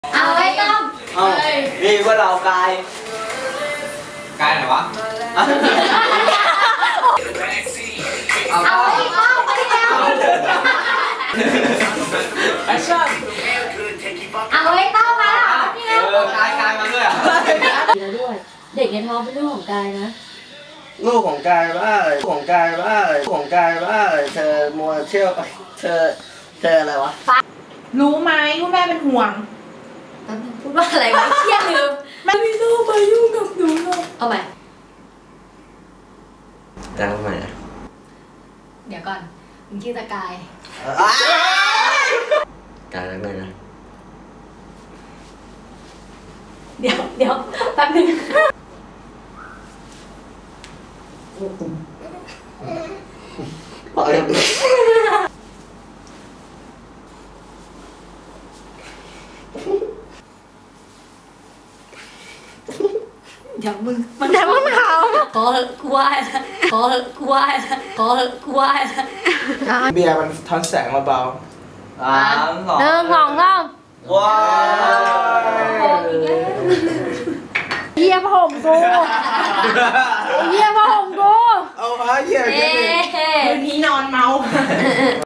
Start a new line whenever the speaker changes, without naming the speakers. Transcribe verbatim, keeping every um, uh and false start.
เอาไว้ต้ม
เอานี่ว่าเรากายกายไหนวะ
เอาไว้ต้มไปแล้ว
แอคชั่น
เอาไว้ต้มมาเอ
อกายกายมาด้วยอ่ะ
แล้วด้วยเด็กในท้องเป็นลูกของกายนะ
ลูกของกายว่าอะไรของกายว่าอะไรของกายว่าอะไรเธอมัวเที่ยวเธอเธออะไรวะ
รู้ไหมว่าแม่เป็นห่วง
ตอนนึงพูดว่าอะไรวะเครียดลืม
ไม่ต้องมายุ่งกับหนูหรอก
เอาใหม่
จังใหม่
เดี๋ยวก่อนมึงชื่อตะกาย
กายแล้วไงนะ
เดี๋ยวเดี๋ยวแป๊บนึง
ปล่อย
เดี๋ยวมึงมันแต่มึงเขาขอกูไหว้ละขอกูไหว้ละขอกูไหว้ละ
เบียร์มันทอนแสงมาเบา
สามสอง
หนึ่งสองสาม
ว้าว
เยี่ยมผมกูเยี่ยมผมกู
เอามาเยี่ยม
คืนนี้นอนเมา